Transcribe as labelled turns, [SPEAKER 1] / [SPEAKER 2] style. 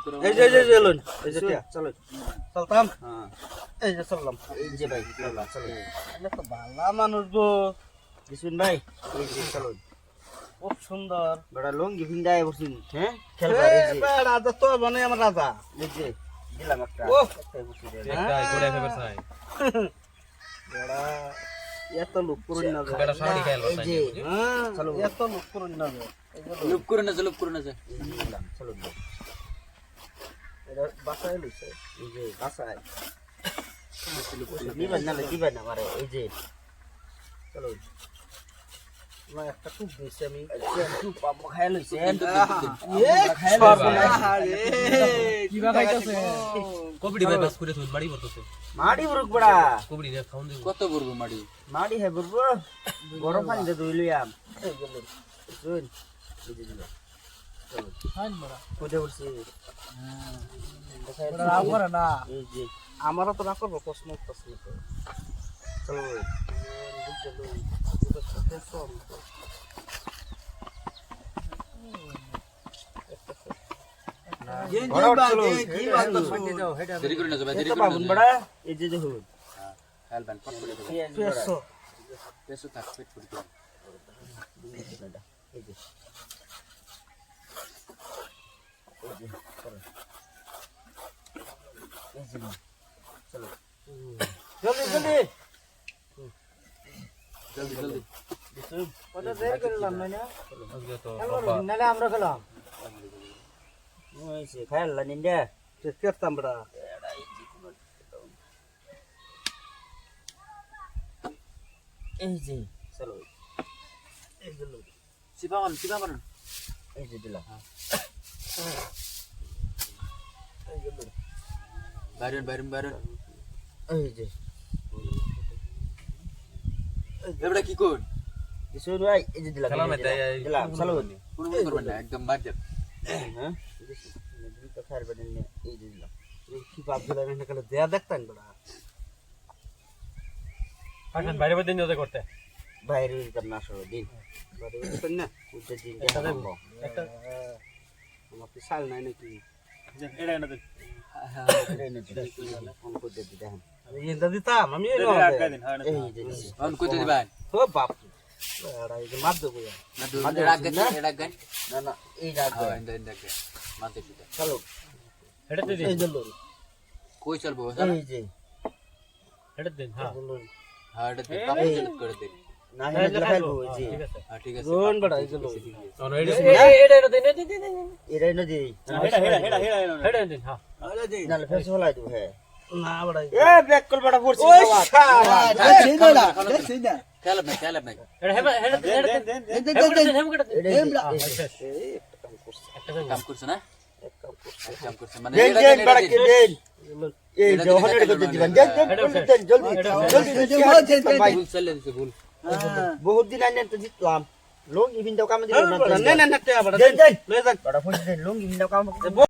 [SPEAKER 1] এই যে লুন এই যে চলো চলতাম এই যে চললাম এই যে ভাই চলো এটা তো ভালো মানুষ গো বিশুন ভাই এই যে চলো খুব সুন্দর বড় লুঙ্গি ভিন্দায় বসিন হ্যাঁ খেলবা এই যে রাজা তো মানে আমার রাজা এই যে দিলাম একটা একটাই বসি দে
[SPEAKER 2] একটা গোড়া ফেভার চাই
[SPEAKER 1] বড় এত লোক করুন না
[SPEAKER 2] বড় শাড়ি খেল
[SPEAKER 1] এই যে চলো এত লোক করুন না
[SPEAKER 3] লুপ করে না
[SPEAKER 1] চলো এটা বাসায় লইছে এই যে বাসায় দিবেন না মারে এই যে চলো না একটা খুব বেশি আমি খুব পাম্প খায় লইছে
[SPEAKER 3] কিবা খাইতাছে
[SPEAKER 2] কবডি বাইপাস করে তুই বাড়ি বলতেছে
[SPEAKER 1] মাড়ি বুরুক বড়া
[SPEAKER 2] কবডি রে খাওন দিব
[SPEAKER 3] কত বলবো মাড়ি
[SPEAKER 1] মাড়ি হে বুরবো গরম পানি দে দইলিয়াম এই গেল শুন এই যে দিল চলো
[SPEAKER 3] খান বড়া
[SPEAKER 1] কোজে উঠছি
[SPEAKER 3] বড়া রাগ করে না
[SPEAKER 1] এই যে আমারও তো না করবো প্রশ্ন তো চলো
[SPEAKER 3] দেরি করে না যাবে দেরি করে
[SPEAKER 1] বাবুন বড়া এই যে দেখুন
[SPEAKER 3] হেল ব্যান কত করে পেছো থাক পেট ফুটি
[SPEAKER 1] এই যে চলো জলদি জলদি
[SPEAKER 3] জলদি জলদি
[SPEAKER 1] কত দেরি করলাম না
[SPEAKER 2] আজকে তো
[SPEAKER 1] নালে আমরা খেলাম ওই সে খেললা নিন্দে কেতাম বড়া এই যে চলো এই যে
[SPEAKER 3] সিপামান
[SPEAKER 1] এই যে দিলাম
[SPEAKER 3] বাইরন
[SPEAKER 1] এই যে
[SPEAKER 3] এবড়া কি কোন
[SPEAKER 1] কিছু ভাই এই যে দিলাম দিলাম চলো
[SPEAKER 3] কোন করবেন না একদম মার দেব
[SPEAKER 1] হ্যাঁ এই তো খার বাদেন এই যে দিলাম এই কি বাপ দিলাম না কালে দেয়া দেখতেন বড়া
[SPEAKER 2] এখন বাইরে বাইরে নিয়ে করতে
[SPEAKER 1] বাইরে করনা সরো দিন বাইরে করতেন না উঠে দিন
[SPEAKER 2] একটা দেব একটা
[SPEAKER 1] আমার তো সাল নাই নাকি
[SPEAKER 2] এটা এনে দে
[SPEAKER 1] ফোন করে দিতে দেখেন আমি এটা দিতাম আমি এই যে
[SPEAKER 3] অন কইতে দিবেন
[SPEAKER 1] ও বাপ এরা এই যে মার দেবো
[SPEAKER 3] না রাগ গান
[SPEAKER 1] না না এই রাগ
[SPEAKER 3] হ্যাঁ ইন্দা মাতে পিটা
[SPEAKER 1] চলো
[SPEAKER 2] এটা দে
[SPEAKER 1] এই যে লোন
[SPEAKER 3] কই চলবো
[SPEAKER 1] এই যে
[SPEAKER 2] এটা দিন হ্যাঁ
[SPEAKER 3] হ্যাঁ এটা কাপড় করে দে
[SPEAKER 1] না এটা খাইবো এই যে
[SPEAKER 2] ঠিক আছে
[SPEAKER 3] হ্যাঁ ঠিক আছে
[SPEAKER 1] লোন বড় এই যে লোন
[SPEAKER 2] অন এটা এটা দিন
[SPEAKER 1] এরা না দেই
[SPEAKER 2] এটা দিন হ্যাঁ
[SPEAKER 1] না ফেস হলাই দিব হ্যাঁ না বড় এ ব্যাক কল বড় পড়ছে ও শালা সেই না
[SPEAKER 3] খেলাব না
[SPEAKER 2] এটা এটা
[SPEAKER 3] কাম করছ না কাম করছ মানে
[SPEAKER 1] দেন দেন বড় কে দেন এই যে হনে করতে দিবেন দেন দেন জলদি জলদি
[SPEAKER 3] ভুল চলে দিছে ভুল
[SPEAKER 1] বহুত দিন আইনে তো জিতলাম লুঙ্গি বিন্দাও কাম দিল না না না দেন দেন লয়ে যান বড় ফুল দেন লুঙ্গি বিন্দাও কাম